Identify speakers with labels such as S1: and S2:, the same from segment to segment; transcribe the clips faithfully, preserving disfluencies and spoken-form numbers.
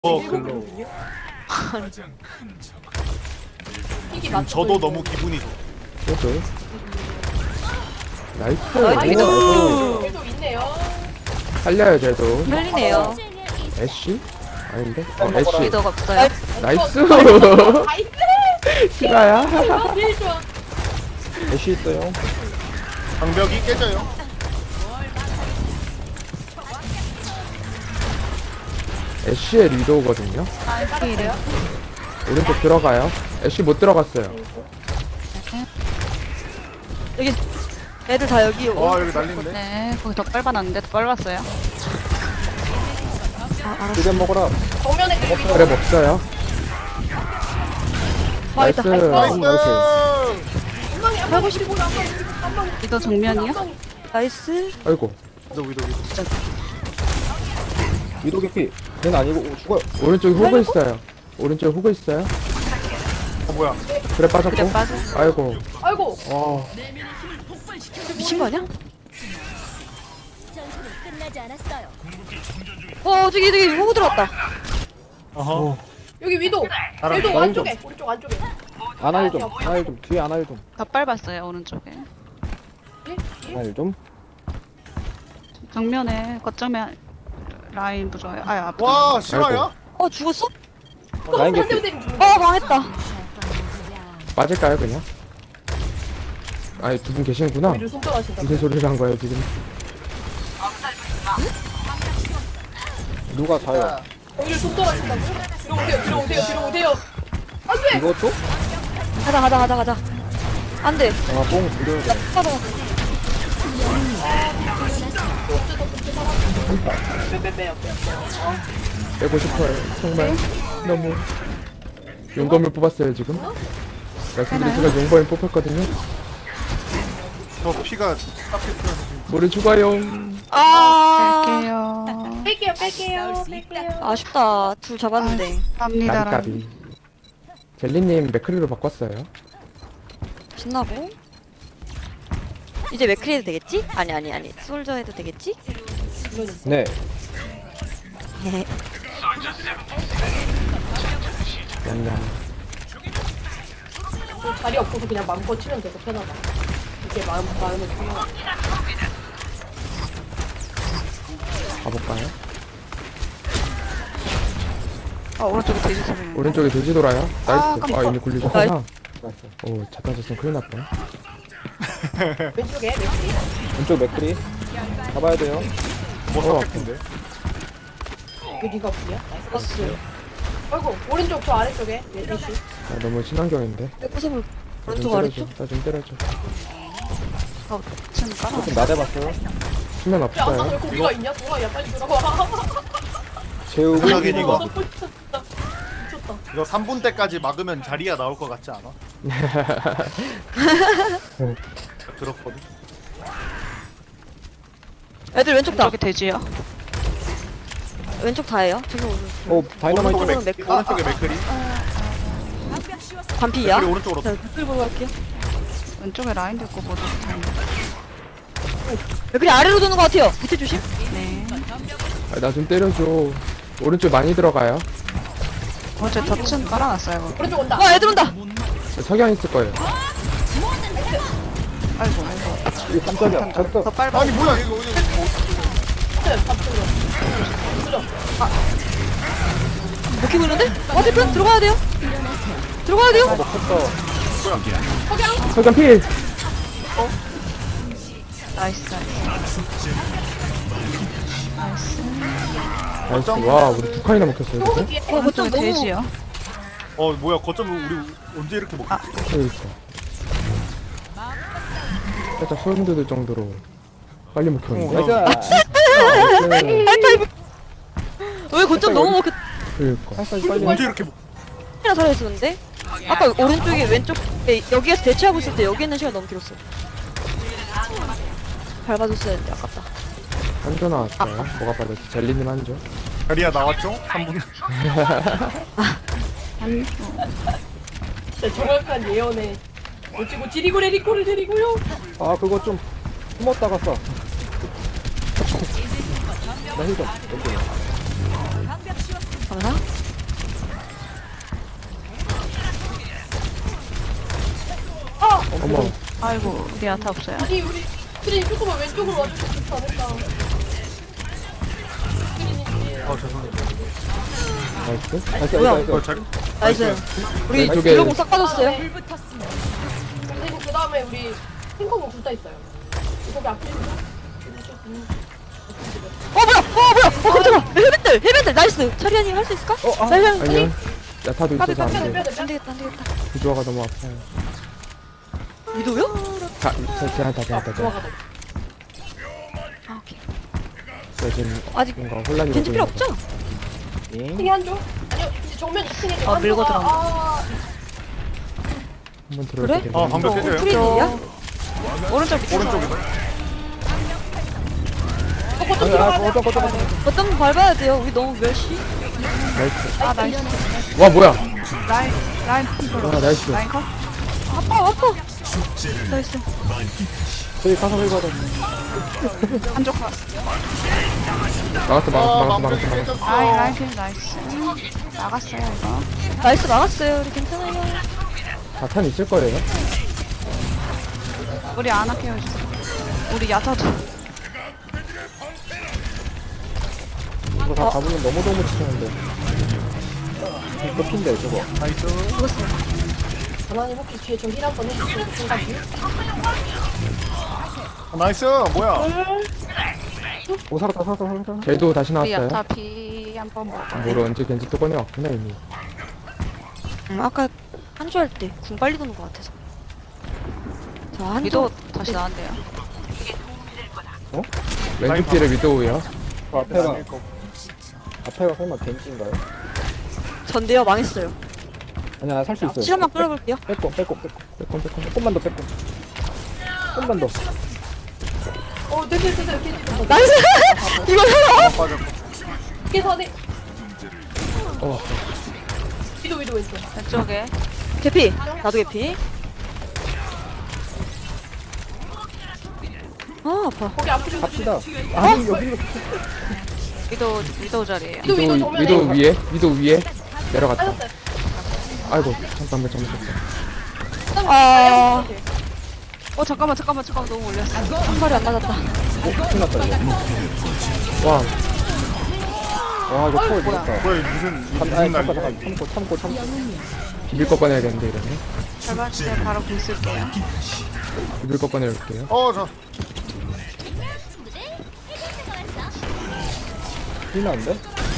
S1: 어, 글로. 지금 저도 너무 기분이 좋아.
S2: 그래도 나이스.
S3: 나이스.
S2: 오,
S3: 계속 있네요.
S2: 살려야 돼도.
S4: 흘리네요.
S2: 애쉬? 아닌데? 어, 애쉬.
S4: 리더가 없어요.
S2: 나이스.
S3: 나이스.
S2: 시바야.
S3: 아, 제일 좋아.
S2: 애쉬 있어요.
S1: 방벽이 깨져요.
S2: 애쉬의 리도거든요.
S4: 필이에요.
S2: 오른쪽 들어가요. 애쉬 못 들어갔어요.
S4: 여기 애들 다 여기 오.
S1: 와, 여기 난리인데?
S5: 네, 거기 더 빨아놨는데 더 빨았어요.
S2: 두개 먹어라.
S3: 정면에 그리고
S2: 그래 먹어요. 나이스.
S3: 나이스.
S1: 나이스!
S3: 한방에 한방 오시고 한방 한방
S5: 리더 정면이요?
S4: 나이스.
S2: 아이고.
S1: 위도, 위도, 위도.
S6: 위도 개피. 걔는 아니고 오, 죽어요.
S2: 오른쪽에 호그 있어요. 오른쪽에 호그 있어요.
S1: 어, 뭐야.
S2: 그래 빠졌고.
S5: 그래 빠져.
S2: 아이고.
S3: 아이고
S2: 와.
S4: 미친 거 아니야?
S7: 전투는 끝나지 않았어요.
S4: 어 저기 저기 호구 들어왔다.
S1: 어허.
S3: 여기 위도
S1: 알아.
S3: 위도
S6: 라인
S3: 안쪽에 오른쪽 안쪽에
S6: 아나일 좀. 아나일 좀. 뒤에 아나일 좀.
S5: 더 빨았어요 오른쪽에.
S6: 아나일 좀.
S5: 정면에 거점에 라인 부조요. 아, 앞.
S1: 와, 실화야?
S4: 어 죽었어?
S6: 라인
S3: 한대
S6: 개피.
S3: 때리면 죽는
S4: 어 망했다.
S2: 빠질까요 그냥? 아니 두 분 계시는구나.
S3: 위를 손절하신다.
S2: 무슨 소리를 한 거예요 지금?
S6: 누가 자요?
S3: 위를 손절하신다고? 뒤로 오세요 뒤로 오세요 뒤로 오세요. 안돼.
S6: 이것도?
S4: 가자 가자 가자 가자. 안돼.
S6: 아, 뽕 부려야 돼.
S4: 가자.
S3: 빼빼빼요.
S2: 빼고 싶어요. 정말 너무 용검을 뽑았어요 지금. 말씀드린 제가 용검을 뽑혔거든요.
S1: 저 피가 딱히 풀어서 지금.
S2: 우리 죽어요.
S4: 아
S5: 갈게요.
S3: 뺄게요 뺄게요 뺄게요.
S4: 아쉽다. 둘 잡았는데.
S5: 갑니다. 라인.
S2: 까비. 젤리님 맥크리로 바꿨어요.
S4: 신나고. 이제 맥크리 해도 되겠지? 아니 아니 아니. 솔저 해도 되겠지?
S6: 네.
S2: 냠냠.
S3: 자리 없어서 그냥 마음껏 치면 돼서 편하다. 이게 마음 마음을 편하다.
S2: 가볼까요?
S5: 어, 오른쪽에 돼지 소리.
S2: 오른쪽에 돼지 돌아요. 나이스. 아, 이미 굴리셨구나.
S6: 나이스.
S2: 오, 자탄 졌으면 큰일 날 뻔.
S3: 왼쪽에 맥이
S6: 왼쪽 맥크리. 잡아야 돼요.
S1: 뭐
S2: 어.
S1: 삭제인데?
S3: 그 네가 어디야? 나이스. 아이고 오른쪽 저 아래쪽에 메시.
S2: 아, 너무 친환경인데.
S4: 백구섭을
S2: 나
S4: 오른쪽
S2: 좀
S4: 아래쪽?
S2: 때려줘. 나 좀 때려줘.
S5: 어, 지금 깔아.
S6: 좀 나대봤어요.
S2: 수면
S3: 야 아까 왜
S2: 없어요.
S3: 고기가 있냐? 동아야 빨리 들어와.
S6: 재우고.
S1: 하긴 이거.
S3: 너 미쳤다. 미쳤다.
S1: 이거 삼 분 때까지 막으면 자리야 나올 것 같지 않아? 들었거든?
S4: 애들 왼쪽 다.
S5: 오른쪽에 돼지요.
S4: 왼쪽 다예요. 저기 오른.
S6: 어, 다이너마이트.
S1: 오른쪽에
S4: 오른쪽은
S1: 맥,
S4: 맥-
S1: 오른쪽에 맥크리?
S4: 반피야?
S1: 맥크리 오른쪽으로.
S4: 자, 댓글 보고 갈게요.
S5: 왼쪽에 라인도 있고 모두 다 있네.
S4: 맥크리 아래로 도는 것 같아요. 밑에 조심.
S5: 네.
S2: 아, 나 좀 때려줘. 오른쪽 많이 들어가요.
S5: 오른쪽에 덫은 깔아놨어요. 거기.
S3: 오른쪽 온다.
S4: 와 애들 온다.
S2: 석양 있을 거예요.
S5: 아이고, 아이고.
S6: 이거 깜짝이야. 졌어.
S5: 더 빨아.
S1: 아니, 뭐야, 이거. 이거
S4: 이렇게 보는데? 어 대표 들어가야 돼요. 들어가야 돼요.
S2: 석양 필.
S5: 나이스, 나이스. 나이스.
S2: 나이스. 와, 우리 두 칸이나 먹혔어요 지금.
S3: 뒤에
S4: 어
S5: 오른쪽에
S4: 거점 너무.
S5: 돼지요.
S1: 어, 뭐야, 거점을 우리 언제 이렇게 먹었지?
S2: 그러니까. 살짝 소름 돋을 정도로 빨리 먹혔는데.
S1: 어,
S6: 나이스.
S2: 나이스.
S4: 왜 거점 너무 먹혔?
S2: 그러니까.
S6: 살살 빨리.
S1: 언제 이렇게 먹
S4: 시간 살아있었는데? 아까 오른쪽에 왼쪽 에, 여기에서 대치하고 있을 때 여기 있는 시간 너무 길었어. 밟아줬어야 했는데 아깝다.
S2: 한조 나왔어요. 뭐가 빠졌지? 젤리님 한조.
S1: 자리야 나왔죠? 삼 분.
S3: 진짜 정확한 예언에 어찌고 지리고래 리코를 데리고요.
S6: 아, 그거 좀 숨었다가 써. 나 힐 좀.
S4: 가면서
S5: 아이고 우리 야타 없어요.
S3: 우리 우리 그린이 조금만 왼쪽으로 와주면 좋지 않을까.
S1: 아 죄송합니다.
S6: 나이스. 나이스,
S4: 뭐야?
S6: 나이스,
S1: 어,
S6: 나이스.
S1: 잘.
S4: 나이스. 우리
S2: 왼쪽에-
S4: 딜로공 싹 빠졌어요.
S3: 그리고 그 다음에 우리 탱커공 둘 다 있어요. 거기 앞에
S4: 어 뭐야? 어 뭐야? 어 깜짝아. 헬멧들 헬멧들 나이스. 차리아님 할 수 있을까?
S6: 어, 아.
S4: 차리아님
S2: 아니요. 야타도
S3: 빼야 돼
S2: 있어서
S3: 빼야 돼
S2: 안
S3: 빼야
S2: 돼.
S3: 돼
S4: 안
S3: 빼야 돼.
S4: 되겠다 안 되겠다.
S2: 구조화가 너무 아파요.
S4: 위도요?
S2: 자, 저 제한타 제한타 제한타.
S3: 좋아가다.
S4: 아 오케이.
S2: 저 지금
S4: 아직
S2: 뭔가 혼란이
S4: 겐지 필요
S2: 되고
S4: 없죠?
S6: 잉?
S3: 층에 한 조? 아니요 이제 정면 이 층에
S5: 아, 밀고 들어간다.
S3: 아,
S2: 한번 들어올
S4: 그래?
S2: 때
S1: 어
S2: 되겠네.
S1: 방벽 깨져요.
S4: 프리딜이야?
S5: 오른쪽 밑에서.
S1: 오른쪽이다.
S3: 어, 거점
S6: 아니, 아,
S3: 들어가야 돼.
S6: 어쩌, 어쩌, 어쩌.
S4: 어쩜 밟아야 돼요. 우리 너무 멸시.
S2: 나이스.
S5: 아 나이스.
S2: 와 뭐야?
S5: 라인 라인
S2: 와 나이스.
S5: 라인 컷.
S4: 아파 아파. 나이스.
S6: 저기 가서 회의 받아.
S5: 한쪽 컷.
S2: 막았어 막았어
S1: 아
S2: 막았어
S1: 방벽
S2: 막았어 막았어.
S1: 깨졌어.
S5: 라인 라인 킬 나이스. 나갔어요 이거.
S4: 나이스 나갔어요. 우리 괜찮아요.
S2: 자탄 있을 거래요.
S5: 우리 아나 케어주세요. 우리 야타도.
S6: 이거 다 잡으면 너무 너무 치는데. 덮인데 저거.
S1: 나이스.
S3: 하나님 혹시 뒤에 좀 힐 한번 해주세요. 생각이.
S1: 아, 나이스. 뭐야?
S6: 오 살았다 살았다 살았다.
S2: 쟤도 다시
S5: 우리
S2: 나왔어요.
S5: 야타 피 한번 먹어.
S2: 뭐로 언제 겐지 또 꺼내왔구나 이미.
S4: 음, 아까 한주 할 때 궁 빨리 도는 것 같아서. 자 한주.
S5: 위도 다시 나왔네요.
S2: 왼쪽 뒤에 위도우요.
S6: 저 앞에가 앞에가 설마 벤치인가요?
S4: 전데요 망했어요.
S6: 아니야 살 수 있어요.
S4: 실험만 끌어볼게요.
S6: 빼꼼 빼꼼 빼꼼.
S2: 빼꼼 빼꼼.
S6: 조금만 더 빼꼼. 조금만 더.
S3: 어 됐어 됐어 됐어. 됐어.
S4: 나이스. 이거 해요.
S1: 아 빠졌고.
S3: 그래서 네.
S2: 어.
S3: 위도 위도 왼쪽.
S5: 왼쪽에
S4: 개피. 나도 개피. 아 아파.
S3: 거기 앞에 좀
S6: 갑시다. 아니 여기로
S5: 위도 위도 자리에요.
S3: 위도 위도
S2: 위도우
S3: 정면에.
S2: 위도우 위에 위도우 위에 내려갔다.
S3: 빠졌어요.
S2: 아이고 잠깐만 잘못했어.
S4: 아.
S5: 어 잠깐만 잠깐만 잠깐만 너무 올렸어.
S4: 한 발이 안 맞았다.
S6: 큰일 났다 이거.
S2: 와
S6: 와 이거 초월 좋다.
S1: 뭐야 이거 무슨
S6: 참,
S1: 무슨
S6: 아니
S1: 날이야?
S6: 잠깐 잠깐 참고 참고 참고.
S2: 비빌 거 꺼내야겠는데 이러면.
S5: 절반 때 바로 공 쓸게요.
S2: 비빌 거 꺼내올게요.
S1: 어 저.
S6: 큰일 났는데?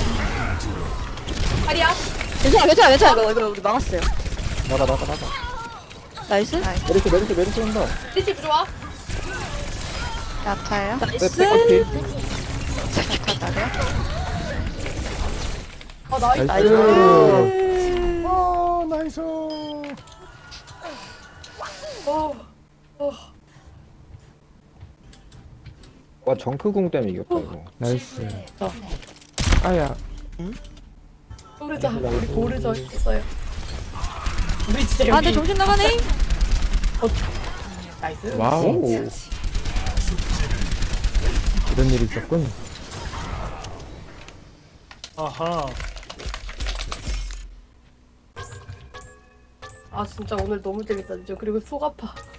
S3: 아리야.
S4: 괜찮아 괜찮아 괜찮아. 이거 이거 우리 막았어요.
S6: 나가 나가 나가.
S4: 나이스.
S6: 메르시 메르시 메르시 한다.
S3: 리치 부좋아.
S5: 야타예요.
S6: 네,
S4: 나이스.
S6: 백커피.
S5: 야타 다리요.
S3: 아 나이스.
S2: 나이스.
S1: 아 나이스.
S3: 어. 어.
S6: 와 정크궁 때문에 이겼다 이거.
S2: 나이스. 아야.
S3: 모르자. 우리 모르자 했어요. 우리 진짜
S4: 아 근데
S3: 여기.
S4: 정신 나가네.
S3: 나이스.
S2: 와우.
S6: 오.
S2: 이런 일이 있었군.
S1: 아하.
S3: 아 진짜 오늘 너무 재밌다 진짜. 그리고 속 아파.